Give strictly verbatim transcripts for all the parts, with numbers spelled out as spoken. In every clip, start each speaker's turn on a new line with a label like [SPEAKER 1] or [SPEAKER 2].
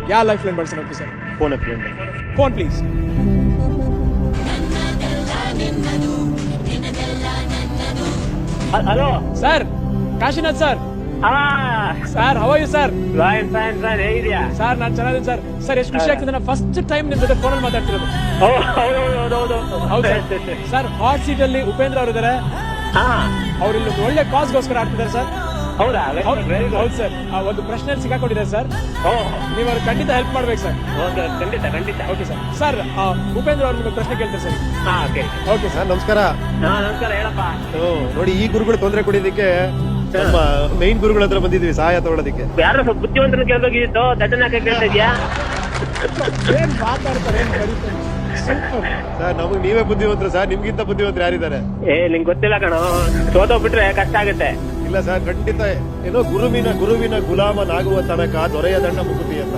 [SPEAKER 1] ಯಾವ lifeline ಬಳಸೋಣ sir?
[SPEAKER 2] Phone friend.
[SPEAKER 1] Phone please.
[SPEAKER 2] Hello
[SPEAKER 1] sir, Kashinath sir. Sir, how are you sir?
[SPEAKER 2] Fine fine sir, ಹೇಗಿದ್ಯಾ
[SPEAKER 1] sir? ನಾನು ಚೆನ್ನಾಗಿದ್ದೀನಿ sir. Sir, ಎಷ್ಟು ಖುಷಿ ಆಗ್ತಿದೆ, ನಾನು ಫಸ್ಟ್ ಟೈಮ್ ನಿಮ್ ಜೊತೆ ಫೋನಲ್ಲಿ ಮಾತಾಡ್ತಿರೋದು. ಹೌದು ಸರ್. ಹಾಟ್ ಸೀಟ್ ಅಲ್ಲಿ ಉಪೇಂದ್ರ ಅವರು ಇದ್ದಾರೆ. ಅವ್ರು ಇಲ್ಲಿ ಒಂದು ಒಳ್ಳೆ ಕಾಸ್ಗೋಸ್ಕರ ಆಡ್ತಿದ್ದಾರೆ ಸರ್.
[SPEAKER 2] ಹೌದಾ?
[SPEAKER 1] ಹೌದು ಸರ್. ಒಂದು ಪ್ರಶ್ನೆ ಸಿಕ್ಕಾಕೊಂಡಿದ್ದಾರೆ ಸರ್. ನೀವು ಅವ್ರು ಖಂಡಿತ ಹೆಲ್ಪ್ ಮಾಡ್ಬೇಕು ಸರ್.
[SPEAKER 2] ಖಂಡಿತ ಖಂಡಿತ.
[SPEAKER 1] Okay sir. ಸರ್, ಉಪೇಂದ್ರ ಅವ್ರು ನಿಮಗೆ ಪ್ರಶ್ನೆ ಕೇಳ್ತಾರೆ ಸರ್.
[SPEAKER 3] ಓಕೆ ಸರ್, ನಮಸ್ಕಾರ.
[SPEAKER 2] ನಮಸ್ಕಾರ, ಹೇಳಪ್ಪ.
[SPEAKER 3] ನೋಡಿ, ಈ ಗುರುಗಳು ತೊಂದರೆ ಕೊಡೋದಕ್ಕೆ ನಮ್ಮ ಮೈನ್ ಗುರುಗಳ ಹತ್ರ ಬಂದಿದ್ವಿ ಸಹಾಯ ತಗೊಳ್ಳೋದಕ್ಕೆ.
[SPEAKER 2] ಯಾರು ಸ್ವಲ್ಪ ಬುದ್ಧಿವಂತನ ಕೇಳ್ಬೇಕಿತ್ತು, ದಟ್ಟನ ಕೇಳ್ತಾ ಇದೆಯಾ?
[SPEAKER 1] ಏನ್ ಮಾತಾಡ್ತಾರೆ, ಏನ್ ಕರೀತಾರೆ.
[SPEAKER 3] ಸರ್, ನಮಗ್ ನೀವೇ ಬುದ್ಧಿವಂತರು ಸರ್, ನಿಮ್ಗಿಂತ ಬುದ್ಧಿವಂತರು ಯಾರಿದ್ದಾರೆ?
[SPEAKER 2] ಏ, ನಿಂಗೆ ಗೊತ್ತಿಲ್ಲ ಕಣೋ, ಸೋತೋಗ್ಬಿಟ್ರೆ ಕಷ್ಟ ಆಗುತ್ತೆ.
[SPEAKER 3] ಇಲ್ಲ ಸರ್, ಖಂಡಿತ. ಏನೋ ಗುರುವಿನ ಗುರುವಿನ ಗುಲಾಮನಾಗುವ ತನಕ ದೊರೆಯ ದಂಡ ಮುಗುತಿ ಅಂತ.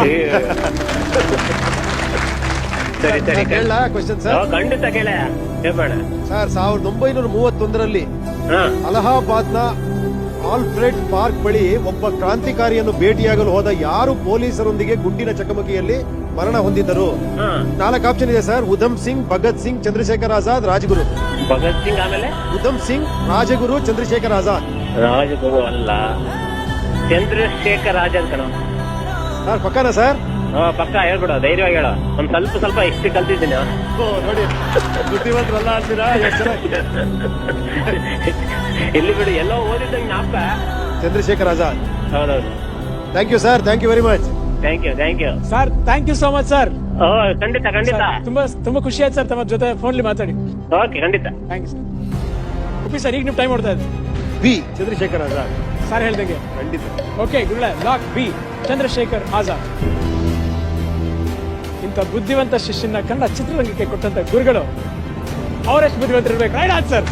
[SPEAKER 2] ಸರಿ ಸರಿ,
[SPEAKER 3] ಕೇಳ ಕ್ವಶನ್ ಸರ್?
[SPEAKER 2] ಖಂಡಿತ ಕೇಳ ಹೇಳ್ಬೇಡ
[SPEAKER 3] ಸರ್. ಸಾವಿರದ ಒಂಬೈನೂರ ಮೂವತ್ತೊಂದರಲ್ಲಿ ಅಲಹಾಬಾದ್ ನ ಆಲ್ಫ್ರೆಡ್ ಪಾರ್ಕ್ ಬಳಿ ಒಬ್ಬ ಕ್ರಾಂತಿಕಾರಿಯನ್ನು ಭೇಟಿಯಾಗಲು ಹೋದ ಯಾರು ಪೊಲೀಸರೊಂದಿಗೆ ಗುಂಡಿನ ಚಕಮಕಿಯಲ್ಲಿ ಮರಣ ಹೊಂದಿದ್ದರು? ನಾಲ್ಕು ಆಪ್ಷನ್ ಇದೆ ಸರ್. ಉಧಮ್ ಸಿಂಗ್, ಭಗತ್ ಸಿಂಗ್, ಚಂದ್ರಶೇಖರ್ ಆಜಾದ್, ರಾಜಗುರು.
[SPEAKER 2] ಭಗತ್ ಸಿಂಗ್, ಆಮೇಲೆ
[SPEAKER 3] ಉಧಮ್ ಸಿಂಗ್, ರಾಜಗುರು, ಚಂದ್ರಶೇಖರ್ ಆಜಾದ್.
[SPEAKER 2] ರಾಜಗುರು ಅಲ್ಲ, ಚಂದ್ರಶೇಖರ್ ಆಜಾದ್ ಕಣ.
[SPEAKER 3] ಸರ್, ಪಕ್ಕನಾ ಸರ್?
[SPEAKER 2] ಪಕ್ಕ ಹೇಳ್ಬಿಡ, ಧೈರ್ಯವಾಗಿ ಹೇಳ. ಒಂದ್ ಸ್ವಲ್ಪ ಸ್ವಲ್ಪ ಎಷ್ಟು ಕಲ್ತಿದ್ದೀನಿ.
[SPEAKER 3] ನೋಡಿ, ಬುದ್ಧಿವಂತರಲ್ಲ ಅಂತೀರಾ?
[SPEAKER 2] ಇಲ್ಲಿ ಬಿಡು, ಎಲ್ಲೋ ಓದಿದ್ದಂಗೆ ಜ್ಞಾಪಕ.
[SPEAKER 3] ಚಂದ್ರಶೇಖರ್ ಆಜಾದ್.
[SPEAKER 2] ಹೌದೌದು.
[SPEAKER 3] Thank you sir, thank you very much.
[SPEAKER 2] Thank you thank you
[SPEAKER 1] sir. Thank you so much sir.
[SPEAKER 2] ಖಂಡಿತ ಖಂಡಿತ.
[SPEAKER 1] ತುಂಬಾ ತುಂಬಾ ಖುಷಿ ಆಯ್ತು ಸರ್ ತಮ್ಮ ಜೊತೆ ಫೋನ್ಲಿ ಮಾತಾಡಿ.
[SPEAKER 2] ಓಕೆ, ಖಂಡಿತ.
[SPEAKER 1] Thank you sir. Uppi sir, ಈಗ ನೀವು ಟೈಮ್ ಹೊಡ್ತಾ ಇದ್ದೆ.
[SPEAKER 3] ಬಿ, ಚಂದ್ರಶೇಖರ್ ಆಜಾದ್.
[SPEAKER 1] ಸರ್ ಹೇಳ್ದಂಗೆ
[SPEAKER 3] ಖಂಡಿತ.
[SPEAKER 1] ಓಕೆ ಗುರುಳೆ, ಲಾಕ್ ಬಿ, ಚಂದ್ರಶೇಖರ್ ಆಜಾದ್. ಇಂಥ ಬುದ್ಧಿವಂತ ಶಿಷ್ಯನ ಕನ್ನಡ ಚಿತ್ರರಂಗಕ್ಕೆ ಕೊಟ್ಟಂತ ಗುರುಗಳು ಅವರೆಷ್ಟು ಬುದ್ಧಿವಂತರಿರ್ಬೇಕು. Right answer.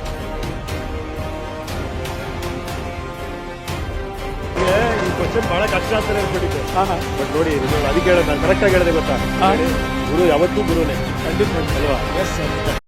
[SPEAKER 3] ಈ ಕ್ವಶನ್ ಬಹಳ ಕಷ್ಟ ಅಂತಾನೆ ಅನ್ಕೊಂಡಿದ್ದೆ.
[SPEAKER 1] ಹಾ ಹಾ
[SPEAKER 3] ಬಟ್ ನೋಡಿ, ಅದಕ್ಕೆ ಹೇಳೋದು, ನಾನು ಕರೆಕ್ಟ್ ಆಗಿ ಹೇಳಿದೆ ಗೊತ್ತಾ? ಗುರು ಯಾವತ್ತೂ ಗುರುನೇ.
[SPEAKER 1] ಖಂಡಿತ
[SPEAKER 3] ಅಲ್ವಾ?
[SPEAKER 1] Yes sir.